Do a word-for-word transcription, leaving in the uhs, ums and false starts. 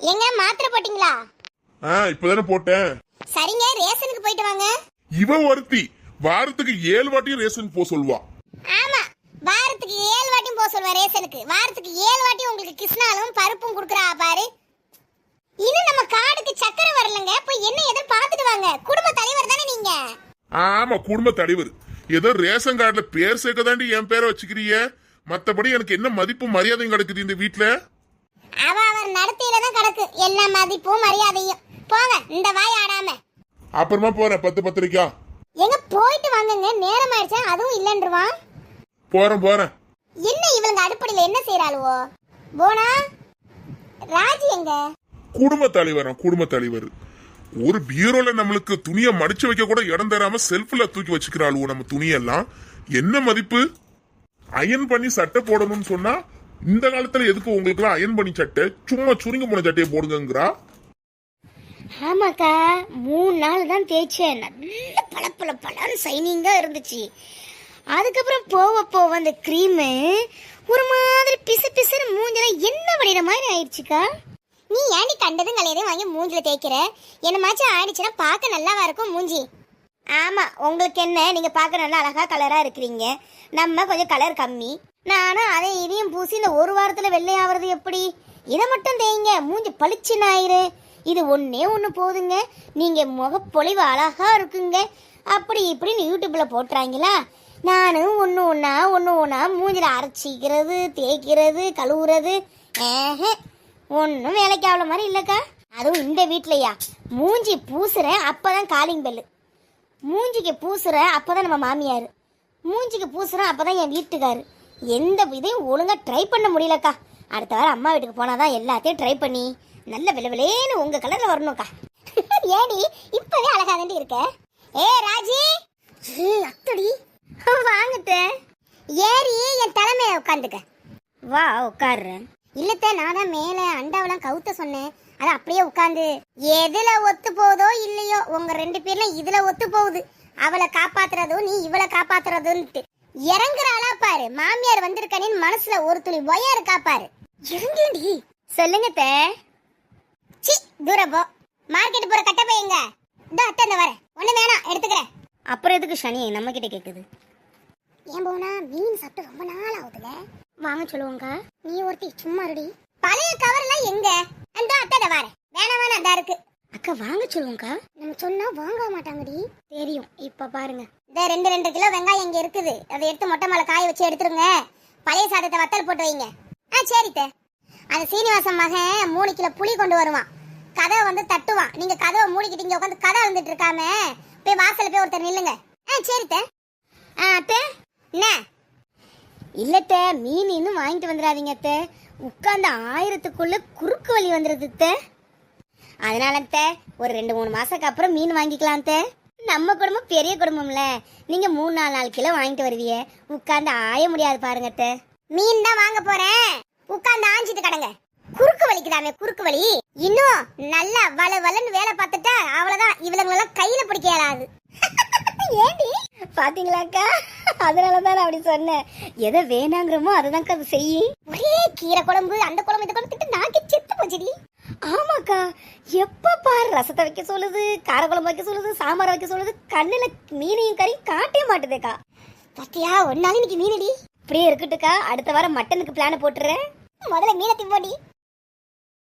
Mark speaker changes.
Speaker 1: எங்க மாத்திரை போட்டீங்களா?
Speaker 2: ஆ இப்பதானே போட்டேன்.
Speaker 1: சரிங்க, ரேஷனுக்கு போயிட்டு வாங்க.
Speaker 2: இவ ஒருத்தி வாரத்துக்கு ஏழு வாட்டியும் ரேஷனுக்கு போக சொல்லுவா.
Speaker 1: ஆமா, வாரத்துக்கு ஏழு வாட்டியும் போக சொல்லுவா ரேஷனுக்கு. வாரத்துக்கு ஏழு வாட்டி உங்களுக்கு கிருஷ்ணாலும் பருப்பும் குடுக்குறா பாரு. இன்னும் நம்ம காடுக்கு சக்கரை வரலங்க. போய் என்ன எதை பாத்துட்டு வாங்க. குடும்ப தலைவர் தானே நீங்க?
Speaker 2: ஆமா, குடும்ப தலைவர். ஏதோ ரேஷன் கார்டுல பேர் சேர்க்க தாண்டி என் பேரை வச்சுக்கிறீங்க. மத்தபடி எனக்கு என்ன மதிப்பு மரியாதையும் கிடக்குது இந்த வீட்டுல?
Speaker 1: அவ அவர் நடத்தியில தான் கிடக்கு எல்லா மதிப்பும் மரியாதையும். போங்க, இந்த வாய் ஆடாம.
Speaker 2: அப்புறமா போறேன் பத்து பத்திரிக்கா.
Speaker 1: எங்க போயிட்டு வாங்கங்க, நேரம் ஆயிடுச்சா. அதுவும் இல்லன்றுவான்.
Speaker 2: போறேன் போறேன். என்ன
Speaker 1: இவங்க அடுப்படியில என்ன செய்யறாளுவோ? போனா ராஜி எங்க?
Speaker 2: குடும்ப தலைவர். குடும்ப தலைவர் ஒரு பீரோல நம்மளுக்கு துணியை மடிச்சு வைக்க கூட இடம் தராம செல்ஃப்ல தூக்கி வச்சுக்கிறாளுவோ நம்ம துணியெல்லாம். என்ன மதிப்பு? அயன் பண்ணி சட்டை போடணும்னு சொன்னா இந்த காலத்துல எதுக்கு உங்களுக்கு எல்லாம் அயன் பண்ணி சட்டை? சும்மா சுருங்க போன சட்டையை போடுங்கிறா.
Speaker 1: ஆமாக்கா, மூணு நாள் தான் தேய்ச்சேன். நல்ல பல பல பலன்னு சைனிங்கா இருந்துச்சு. அதுக்கப்புறம் போவ போவ அந்த கிரீமு ஒரு மாதிரி பிசு பிசுன்னு மூஞ்சில என்ன பண்ணிட மாதிரி ஆயிடுச்சுக்கா. நீ ஏன்டி கண்டதும் கலையதையும் வாங்கி மூஞ்சில தேய்க்கிற? என்னமாச்சும் ஆயிடுச்சுன்னா பார்க்க நல்லாவா இருக்கும் மூஞ்சி? ஆமா, உங்களுக்கு என்ன, நீங்க பார்க்க நல்லா அழகா கலரா இருக்கிறீங்க. நம்ம கொஞ்சம் கலர் கம்மி. நானும் அதை இதையும் பூசி இந்த ஒரு வாரத்துல வெள்ளையாவது எப்படி? இதை மட்டும் தேய்ங்க, மூஞ்சி பளிச்சுன்னு ஆயிரு. இது ஒன்னே ஒன்று போதுங்க, நீங்க முகப்பொழிவு அழகா இருக்குங்க. அப்படி இப்படின்னு யூடியூப்ல போட்டுறாங்களா? நானும் ஒன்று ஒன்றா ஒன்று ஒன்றா மூஞ்சில அரைச்சிக்கிறது, தேய்க்கிறது, கழுவுறது. ஏஹ, ஒன்றும் வேலைக்கு ஆகல மாதிரி இல்லைக்கா. அதுவும் இந்த வீட்லையா மூஞ்சி பூசுறேன் அப்பதான் காலிங் பெல்லு. மூஞ்சிக்கு பூசுற அப்பதான் நம்ம மாமியார். மூஞ்சிக்கு பூசுறேன் அப்பதான் என் வீட்டுக்காரு. எந்த இதையும் ஒழுங்கா ட்ரை பண்ண முடியலக்கா. அடுத்த வாரம் அம்மா வீட்டுக்கு போனாதான் எல்லாத்தையும் ட்ரை பண்ணி நல்ல விளவிலேன்னு உங்க கலர்ல வரணும்க்கா. ஏடி இப்பவே அழகா தாண்டி இருக்க. ஏ ராஜி, ஏ அத்தடி வாங்கிட்ட ஏறி என் தலைமையில உட்காந்துக்க. வா உட்காடுறேன். இல்லத்த, நான் தான் மேல அண்டாவெல்லாம் கவுத்த சொன்னேன். அது அப்படியே உட்காந்து எதுல ஒத்து போகுதோ இல்லையோ உங்க ரெண்டு பேர்லாம் இதுல ஒத்து போகுது. அவளை காப்பாத்துறதும் நீ இவளை காப்பாத்துறதுன்ட்டு இறங்குறாளா பாரு. மாமியார் வந்திருக்கனின் மனசுல ஒரு துளி ஒயா இருக்கா பாரு. இறங்கி சொல்லுங்க தே. சி தூரம் போ. மார்க்கெட் போற கட்ட பையங்க. இதோ அத்தை இந்த வரேன். ஒண்ணு வேணாம், எடுத்துக்கிறேன். அப்புறம் எதுக்கு சனி நம்ம கிட்ட கேக்குது? ஏன் போனா மீன் சாப்பிட்டு ரொம்ப நாள் ஆகுதுல. வாங்க சொல்லுவாங்க. நீ ஒருத்தி சும்மா இருடி. பழைய கவர் எல்லாம் எங்க? அந்த அத்தை வரேன். வேணாம் வேணாம் அதா இருக்கு. அக்கா வாங்க சொல்லுவாங்க. நம்ம சொன்னா வாங்க மாட்டாங்கடி. தெரியும், இப்ப பாருங்க. இந்த ரெண்டு ரெண்டு கிலோ வெங்காயம் இங்க இருக்குது. அதை எடுத்து மொட்டை மேல காய வச்சு எடுத்துருங்க. பழைய சாதத்தை வத்தல் போட்டு வைங்க. ஆ சரித்த. அந்த சீனிவாசன் மகன் மூணு கிலோ புளி கொண்டு வருவான். கதவை வந்து தட்டுவான். நீங்க கதவை மூடிக்கிட்டு இங்க உட்காந்து கதை வந்துட்டு இருக்காம போய் வாசல்ல போய் ஒருத்தர் நில்லுங்க. ஆ சரித்த. ஆ அத்தை என்ன? இல்லத்த, மீன் இன்னும் வாங்கிட்டு வந்துடாதீங்க அத்தை. உட்கார்ந்து ஆயிரத்துக்குள்ள குறுக்கு வழி வந்துருது அத்தை. அதனால அத்தை ஒரு ரெண்டு மூணு மாசத்துக்கு அப்புறம் மீன் வாங்கிக்கலாம் அத்தை. நம்ம குடும்பம் பெரிய குடும்பம்ல. நீங்க மூணு நாலு நாலு கிலோ வாங்கிட்டு வருவீங்க. உட்கார்ந்து ஆய முடியாது பாருங்க அத்தை. மீன் தான் வாங்க போறேன். உட்கார்ந்து ஆஞ்சிட்டு கடங்க. குறுக்கு வலிக்குதாமே குறுக்கு வலி. இன்னும் நல்லா வள வளன்னு வேலை பார்த்துட்டா அவ்வளவுதான். இவளங்களெல்லாம் கையில பிடிக்க இயலாது. ஏண்டி பாத்தீங்களாக்கா? அதனாலதான் அப்படி சொன்னேன். எதை வேணாங்கிறமோ அதுதான் அது செய்யும். ஒரே கீரை குழம்பு, அந்த குழம்பு, இந்த குழம்பு திட்டு நாக்கி செத்து போச்சுடி. ஆமாக்கா, எப்ப பாரு ரசத்தை வைக்க சொல்லுது, கார குழம்பு வைக்க சொல்லுது, சாம்பார் வைக்க சொல்லுது. கண்ணுல மீனையும் கறியும் காட்டவே மாட்டுதேக்கா. பத்தியா ஒரு நாள் இன்னைக்கு மீனடி. இப்படியே இருக்கட்டுக்கா. அடுத்த வாரம் மட்டனுக்கு பிளான் போட்டுறேன். முதல்ல மீனை திம்போடி.